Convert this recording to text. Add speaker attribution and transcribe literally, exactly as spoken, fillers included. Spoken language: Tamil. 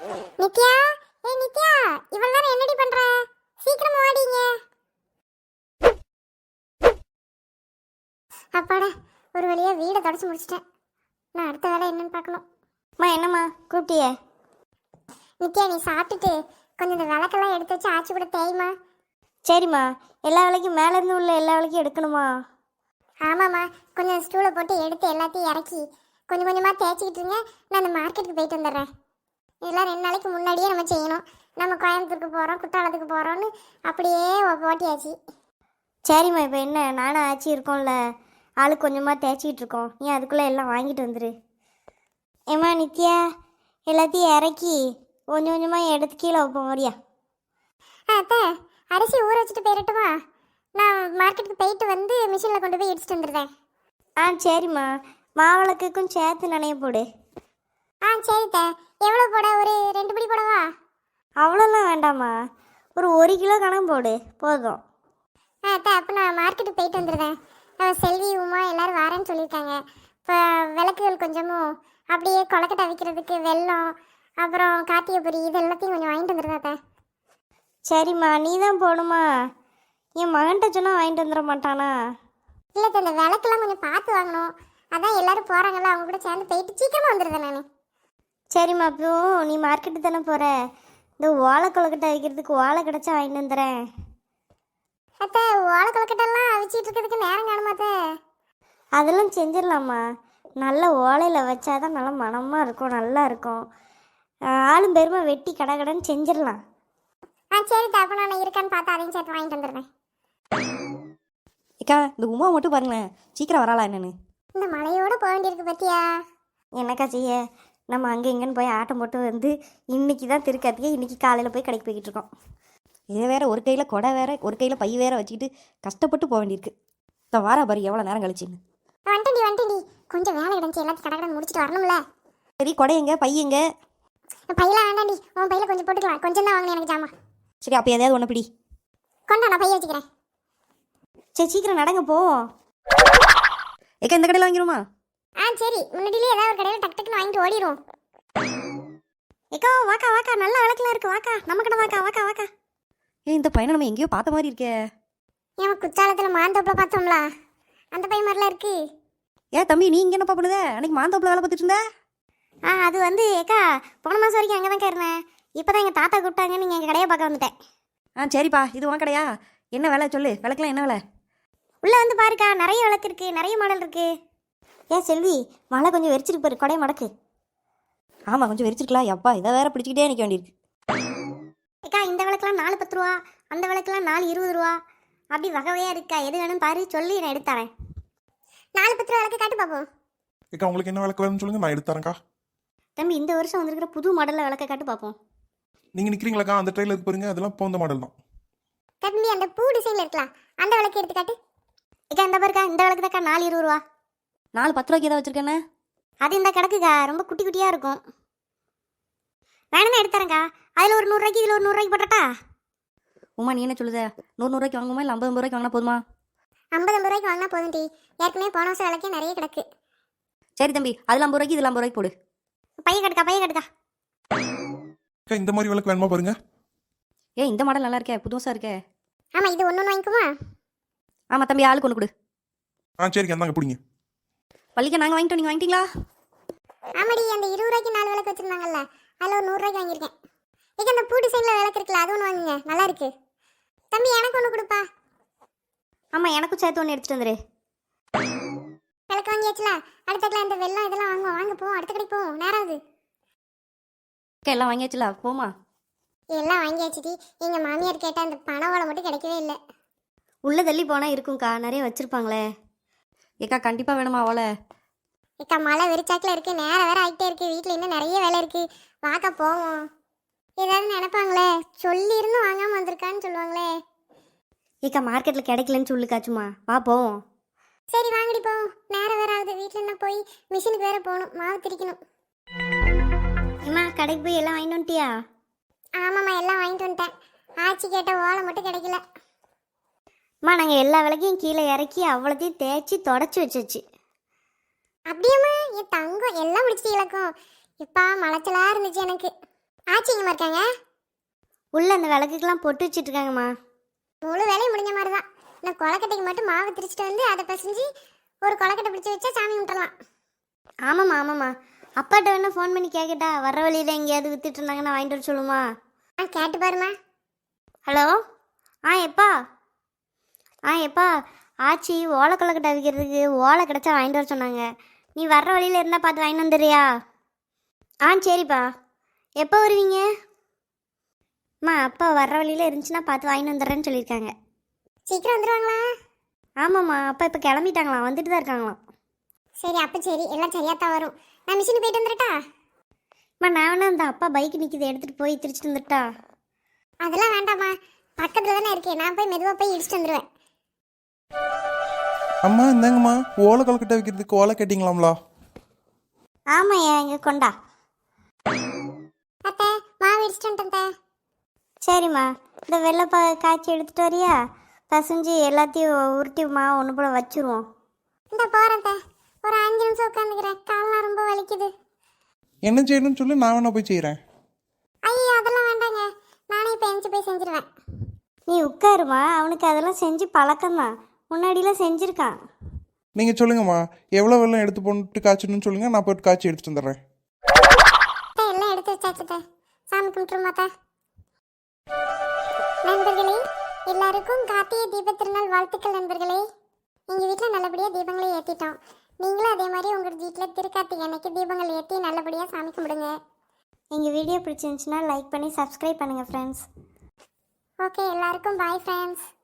Speaker 1: நித்யா, ஏய் நித்யா, இவ்வளவு நேரம் என்னடி பண்ற? சீக்கிரமா வாடிங்க. அப்பாடா, ஒரு வழியா வீடை தொடச்சு முடிச்சிட்டேன். நான் அடுத்த வேலை என்னன்னு பார்க்கணும்.
Speaker 2: அம்மா என்னம்மா கூப்பிட்டியே?
Speaker 1: நித்யா, நீ சாப்பிட்டுட்டு கொஞ்சம் இந்த விளக்கெல்லாம் எடுத்து வச்சு ஆச்சி கூட தேய்மா.
Speaker 2: சரிம்மா, எல்லா வேலைக்கும் மேலேருந்து உள்ள எல்லா வேலைக்கும் எடுக்கணுமா?
Speaker 1: ஆமாம்மா, கொஞ்சம் ஸ்டூலை போட்டு எடுத்து எல்லாத்தையும் இறக்கி கொஞ்சம் கொஞ்சமாக தேய்ச்சிக்கிட்டு இருங்க. நான் அந்த மார்க்கெட்டுக்கு போயிட்டு வந்துடுறேன். இதெல்லாம் ரெண்டு நாளைக்கு முன்னாடியே நம்ம செய்யணும். நம்ம கோயம்புத்தூருக்கு போகிறோம், குற்றாலத்துக்கு போகிறோன்னு அப்படியே ஓட்டியாச்சு.
Speaker 2: சரிம்மா, இப்போ என்ன நானும் ஆச்சி இருக்கோம்ல, ஆளுக்கு கொஞ்சமாக தேய்ச்சிக்கிட்டு இருக்கோம். நீ அதுக்குள்ளே எல்லாம் வாங்கிட்டு வந்துடு. ஏம்மா நித்யா, எல்லாத்தையும் இறக்கி கொஞ்சம் கொஞ்சமாக எடுத்து கீழே வைப்போம் வரியா?
Speaker 1: ஆ அத்தை, அரிசி ஊற வச்சுட்டு போயிடட்டுமா? நான் மார்க்கெட்டுக்கு போயிட்டு வந்து மிஷினில் கொண்டு போய் இடிச்சிட்டு வந்துடுறேன்.
Speaker 2: ஆ சரிம்மா, மாவிளக்குக்கும் சேர்த்து நனைய போடு.
Speaker 1: ஆ சரித்த. எவ்வளோ போட? ஒரு ரெண்டு படி போடவா?
Speaker 2: அவ்வளோலாம் வேண்டாம்மா, ஒரு ஒரு கிலோ கணக்கு போடு போதும்.
Speaker 1: ஆ அத்தை, அப்போ நான் மார்க்கெட்டுக்கு போயிட்டு வந்துடுறேன். செல்வி உமா எல்லோரும் வரேன்னு சொல்லியிருக்காங்க. இப்போ விளக்குகள் கொஞ்சமும் அப்படியே கொலக்கட்டை வைக்கிறதுக்கு வெல்லம், அப்புறம் கார்த்திகை பொரி, இது எல்லாத்தையும் கொஞ்சம் வாங்கிட்டு வந்துடுறேன் அத்தை.
Speaker 2: சரிம்மா, நீ தான் போகணுமா? என் மகன்கிட்ட சொன்னால் வாங்கிட்டு வந்துட மாட்டானா?
Speaker 1: இல்லை, இந்த விளக்கெல்லாம் கொஞ்சம் பார்த்து வாங்கணும். அதான் எல்லாரும் போகிறாங்கல்ல, அவங்க கூட சேர்ந்து போயிட்டு சீக்கிரமாக வந்துடுறேன் நான்.
Speaker 2: சரிம்மா, அப்போ நீ மார்க்கெட்டு தானே போகிற, இந்த ஓலை கொழுக்கட்டை வைக்கிறதுக்கு ஓலை கிடச்சா வாங்கிட்டு வந்துடுறேன்.
Speaker 1: அத்தை, ஓலை கொழுக்கட்டெல்லாம் அவிச்சிட்டு இருக்கிறதுக்கு நேரம் காணுமா அத்தை?
Speaker 2: அதெல்லாம் செஞ்சிடலாம்மா. நல்ல ஓலையில் வச்சாதான் நல்லா மணமாக இருக்கும், நல்லா இருக்கும். ஆளும் பெருமை வெட்டி கடை கடைன்னு செஞ்சிடலாம்.
Speaker 1: ஆ சரி, அப்போ நான் இருக்கான்னு பார்த்து அதையும் சேர்த்து வாங்கிட்டு வந்துடுறேன்.
Speaker 3: ஏக்கா, இந்த உமா மட்டும் பாருங்களேன், சீக்கிரம் வராளா என்னன்னு?
Speaker 1: இந்த மழையோடு போக வேண்டியிருக்கு பத்தியா?
Speaker 2: என்னக்கா செய்ய, நம்ம அங்கே இங்கேன்னு போய் ஆட்டம் போட்டு வந்து இன்னைக்கு தான் திருக்கார்த்திகை, இன்னைக்கு காலையில் போய் கடைக்கு போய்கிட்டு இருக்கோம்.
Speaker 3: இதை வேற ஒரு கையில் கொடை வேற, ஒரு கையில் பை வேற வச்சுக்கிட்டு கஷ்டப்பட்டு போக வேண்டியிருக்கு. இப்போ வாரா பாரு எவ்வளோ நேரம் கழிச்சுன்னு.
Speaker 1: வந்துட்டேன்டி வந்துட்டேன்டி, கொஞ்சம் வேலை கிடந்துச்சு, எல்லாத்தையும் கடை கடை முடிச்சுட்டு வரணும்ல.
Speaker 3: சரி, கொடை எங்க, பை எங்க?
Speaker 1: பையெல்லாம் வேண்டாண்டி, உன் பையில கொஞ்சம் போட்டுக்கலாம், கொஞ்சம் தான் வாங்கினேன் எனக்கு ஜாமா.
Speaker 3: சரி, அப்போ எதையாவது ஒன்று பிடி.
Speaker 1: கொண்டா, நான் பைய வச்சுக்கிறேன்.
Speaker 2: சரி சீக்கிரம் நடங்க போவோம்.
Speaker 3: ஏக்கா, இந்த கடையில் வாங்கிடுமா?
Speaker 1: ஆ சரி, முன்னாடியிலே ஏதாவது ஒரு கடையில் டக்கு டக்குன்னு வாங்கிட்டு ஓடிடும்.
Speaker 2: ஏக்கா வாக்கா வாக்கா, நல்ல விளக்கெல்லாம் இருக்கு, வாக்கா நம்ம கடை வாக்கா வாக்கா வாக்கா.
Speaker 3: ஏ, இந்த பையனை நம்ம எங்கேயோ பார்த்த மாதிரி இருக்கே.
Speaker 1: ஏன் குற்றாலத்தில் மாந்தோப்பில் பார்த்தோம்ல, அந்த பையன் மாதிரிலாம் இருக்கு.
Speaker 3: ஏன் தம்பி, நீ இங்கே என்னப்பா பண்ணுத? அன்னைக்கு மாந்தோப்பில் வேலை பார்த்துட்டு இருந்த.
Speaker 2: ஆ அது வந்து ஏக்கா, போன மாதம் வரைக்கும் அங்கே தான் இருந்தேன். இப்போ தான் எங்கள் தாத்தா கூப்பிட்டாங்க, நீங்கள் எங்கள் கடையை பார்க்க வந்துட்டேன்.
Speaker 3: ஆ சரிப்பா, இது உன் கடையா? என்ன வேலை சொல்லு, விளக்கெல்லாம் என்ன வேலை?
Speaker 2: உள்ளே வந்து பாருக்கா, நிறைய விளக்கு இருக்குது, நிறைய மாடல் இருக்குது. ஏன் செல்வி, மழை கொஞ்சம் வெறிச்சிருக்கு பாரு, கொடையை மடக்கு.
Speaker 3: ஆமாம், கொஞ்சம் வெறிச்சிருக்கலாம். எப்பா, இதை வேற பிடிச்சிக்கிட்டே நிற்க வேண்டியிருக்கு.
Speaker 2: ஏக்கா, இந்த விளக்கெல்லாம் நாலு பத்து ரூபா, அந்த விளக்கெல்லாம் நாலு இருபது ரூபா, அப்படி வகை வகையாக இருக்கா, எது வேணும் பாரு, சொல்லி நான் எடுத்துறேன்.
Speaker 1: நாலு பத்து ரூபா விளக்கு காட்டு பார்ப்போம்.
Speaker 4: ஏக்கா, உங்களுக்கு என்ன விளக்கு வேணும்னு சொல்லுங்க, நான் எடுத்து தரேன்க்கா.
Speaker 2: தம்பி, இந்த வருஷம் வந்திருக்கிற புது மாடலில் விளக்க காட்டு பார்ப்போம்.
Speaker 4: நீங்கள் நிற்கிறீங்களாக்கா, அந்த ட்ரெயில இருக்கு பாருங்க, அதெல்லாம் இப்போ இந்த மாடல் தான்.
Speaker 1: தம்பி, அந்த பூ டிசைனில் இருக்கலாம், அந்த விளக்கு எடுத்து காட்டு.
Speaker 2: ஏக்கா, இந்த பாருக்கா, இந்த விளக்கு தாக்கா நாலு இருபது ரூபா.
Speaker 3: நாலு பத்து ரூபாய்க்கு ஏதாவது வச்சிருக்கேன்னு?
Speaker 2: அது இந்த கிடக்குக்கா, ரொம்ப குட்டி குட்டியாக இருக்கும். வேணும்னா எடுத்துறேங்க்கா, அதில் ஒரு நூறுரூவாய்க்கு இதில் ஒரு நூறுரூவாய்க்கு போட்டட்டா?
Speaker 3: உமா, நீ என்ன சொல்லுத? நூறு நூறுரூவாய்க்கு வாங்குமா, இல்லை ஐம்பது ரூபாய்க்கு வாங்கினா போதுமா?
Speaker 1: ஐம்பது ஐம்பது ரூபாய்க்கு வாங்கினா போதும் டி, ஏற்கனவே போன வருஷம் விளக்கே நிறைய கிடக்கு.
Speaker 3: சரி தம்பி, அதில் ஐம்பது ரூபாய்க்கு இதில் ஐம்பது ரூபாய்க்கு போடு.
Speaker 2: பையன் கட்டுக்கா, பையன் கட்டுக்கா.
Speaker 4: அக்கா, இந்த மாதிரி விளக்கு வேணுமா பாருங்க.
Speaker 3: ஏ, இந்த மாடல் நல்லா இருக்கே, புதுசாக இருக்கே.
Speaker 1: ஆமாம், இது ஒன்று ஒன்று வாங்கிக்குமா?
Speaker 3: ஆமாம் தம்பி, ஆளுக்கு ஒன்று கொடு.
Speaker 4: ஆ சரிக்கா, அந்தாங்க பிடிங்க.
Speaker 3: பள்ளிக்க நாங்கள் வாங்கிட்டோம், நீங்கள் வாங்கிட்டீங்களா?
Speaker 1: ஆமாடி, அந்த இருபது ரூபாய்க்கு நாலு விளக்கு வச்சுருந்தாங்கல்ல, அதில் ஒரு நூறுரூவாய்க்கு வாங்கியிருக்கேன். ஏக்கா, அந்த பூ டிசைனில் விளக்கு இருக்குல்ல, அது ஒன்று வாங்குங்க, நல்லா இருக்கு. தம்பி, எனக்கு ஒன்று கொடுப்பா.
Speaker 2: ஆமாம், எனக்கும் சேர்த்து ஒன்று எடுத்துகிட்டு வந்துடு.
Speaker 1: விளக்கு வாங்கியாச்சுல, அடுத்தக்கில் இந்த வெள்ளம் இதெல்லாம் வாங்குவோம். வாங்க போவோம், அடுத்த கடைக்கு போவோம், நேரம் ஆகுது.
Speaker 3: அக்கா, எல்லாம் வாங்கியாச்சுல, போமா?
Speaker 1: எல்லாம் வாங்கியாச்சுடி, எங்கள் மாமியார் கேட்டால் அந்த பண ஓலை மட்டும் கிடைக்கவே இல்லை.
Speaker 2: உள்ளே தள்ளி போனால் இருக்கும்க்கா, நிறைய வச்சுருப்பாங்களே.
Speaker 3: ஏக்கா, கண்டிப்பாக வேணுமா அவளை?
Speaker 1: ஏக்கா, மழை வெறிச்சாக்கில் இருக்குது, நேரம் வேறு ஆகிட்டே இருக்குது, வீட்டில் இன்னும் நிறைய வேலை இருக்குது, வாக்கா போவோம். ஏதாவது நினைப்பாங்களே, சொல்லியிருந்தும் வாங்காமல் வந்திருக்கான்னு சொல்லுவாங்களே.
Speaker 2: ஏக்கா, மார்க்கெட்டில் கிடைக்கலன்னு சொல்லுக்காச்சுமா, வா போவோம்.
Speaker 1: சரி வாங்கடி போவோம், நேரம் வேறு ஆகுது, வீட்டில் என்ன போய் மிஷினுக்கு வேறு போகணும், மாவு திரிக்கணும்.
Speaker 2: அம்மா, கடைக்கு போய் எல்லாம் வாங்கிட்டு வந்துட்டியா?
Speaker 1: ஆமாம்மா, எல்லாம் வாங்கிட்டு வந்துட்டேன். ஆச்சி கேட்ட ஓலை மட்டும் கிடைக்கல.
Speaker 2: அம்மா, நாங்கள் எல்லா விளக்கையும் கீழே இறக்கி அவ்வளோத்தையும் தேய்ச்சி தொடச்சி வச்சாச்சு.
Speaker 1: அப்படியேம்மா, என் தங்கம் எல்லாம் முடிச்சிட்டு இலக்கம். இப்பா மலைச்சலா இருந்துச்சு எனக்கு. ஆச்சி எங்கம்மா இருக்காங்க?
Speaker 2: உள்ள அந்த விளக்குக்கெல்லாம் பொட்டு வச்சுட்டு இருக்காங்கம்மா.
Speaker 1: முழு வேலையும் முடிஞ்ச மாதிரி தான். நான் கொலக்கட்டைக்கு மட்டும் மாவு திரிச்சிட்டு வந்து அதை பிசைஞ்சு ஒரு கொலக்கட்டை பிடிச்சி வச்சா சாமி விட்டுறலாம்.
Speaker 2: ஆமாம்மா ஆமாம்மா. அப்பாட்ட வேணா ஃபோன் பண்ணி கேட்கட்டா? வர்ற வழியில் எங்கேயாவது வித்துட்டு இருந்தாங்கன்னா வாங்கிட்டு வர சொல்லுமா?
Speaker 1: ஆ கேட்டு பாருமா.
Speaker 2: ஹலோ. ஆ எப்பா ஆ எப்பா ஆச்சி ஓலை கொலக்கட்டை விற்கிறதுக்கு ஓலை கிடச்சா வாங்கிட்டு வர சொன்னாங்க. நீ வர்ற வழியில் இருந்தால் பார்த்து வாங்கிட்டு வந்துடுறியா? ஆ சரிப்பா. எப்போ வருவீங்க? அம்மா அப்பா வர்ற வழியில் இருந்துச்சுன்னா பார்த்து வாங்கிட்டு வந்துடுறேன்னு சொல்லியிருக்காங்க.
Speaker 1: சீக்கிரம் வந்துடுவாங்களா?
Speaker 2: ஆமாம்மா அப்பா இப்போ கிளம்பிட்டாங்களாம், வந்துட்டு தான் இருக்காங்களாம்.
Speaker 1: சரி அப்போ சரி, எல்லாம் சரியாக தான் வரும். நான் மிஷினு போயிட்டு வந்துடட்டா?
Speaker 2: அம்மா நான் வேணா அந்த அப்பா பைக் நிற்கிது எடுத்துகிட்டு போய் திரிச்சிட்டு வந்துட்டா?
Speaker 1: அதெல்லாம் வேண்டாம்மா, பக்கத்தில் தானே இருக்கேன். நான் போய் மெதுவாக போய் இடிச்சிட்டு வந்துடுவேன்.
Speaker 4: அம்மா இந்தாங்கம்மா, ஓலை கொலக்கட்டை வைக்கிறதுக்கு ஓலை கேட்டிங்களாம்லா?
Speaker 2: ஆமாய்யா இங்கே கொண்டா.
Speaker 1: அத்தை மாவு இடிச்சிட்டு வந்துட்டேன்.
Speaker 2: சரிம்மா இந்த வெள்ளைப்பா காய்ச்சி எடுத்துகிட்டு வரியா? பசஞ்சு எல்லாத்தையும் உருட்டி மாவு ஒன்று போல் வச்சுருவோம்.
Speaker 1: இந்த போகிறேன் தே, ஒரு அஞ்சு நிமிஷம் உட்காந்துக்கிறேன். காலெலாம் ரொம்ப வலிக்குது.
Speaker 4: என்ன செய்யணும்னு சொல்லி நான் வேணா போய் செய்கிறேன்.
Speaker 1: ஐயோ அதெல்லாம் வேண்டாங்க, நானே இப்போ எந்திச்சு போய் செஞ்சிருவேன்.
Speaker 2: நீ உட்காருமா, அவனுக்கு அதெல்லாம் செஞ்சு பழக்கம்தான், முன்னாடிலாம் செஞ்சுருக்கான்.
Speaker 4: நீங்கள் சொல்லுங்கம்மா, எவ்வளோ வெள்ளம் எடுத்து போட்டு காய்ச்சணும்னு சொல்லுங்கள், நான் போய்ட்டு காய்ச்சி எடுத்துட்டு வந்துடுறேன்.
Speaker 1: அத்தை எல்லாம் எடுத்து வச்சாச்சு தே, சாமி கும்பிட்டுருமா தே. நண்பர்களே எல்லாருக்கும் கார்த்திகை தீப திருநாள் வாழ்த்துக்கள். நண்பர்களே எங்கள் வீட்டில் நல்லபடியாக தீபங்களை ஏற்றிட்டோம். நீங்களும் அதே மாதிரி உங்கள் வீட்டில் திருக்கார்த்திகை அன்னைக்கு தீபங்கள் ஏற்றி நல்லபடியாக சாமி கும்பிடுங்க.
Speaker 2: எங்கள் வீடியோ பிடிச்சிருந்துச்சுன்னா லைக் பண்ணி சப்ஸ்கிரைப் பண்ணுங்கள் ஃப்ரெண்ட்ஸ்.
Speaker 1: ஓகே எல்லாருக்கும் பாய் ஃப்ரெண்ட்ஸ்.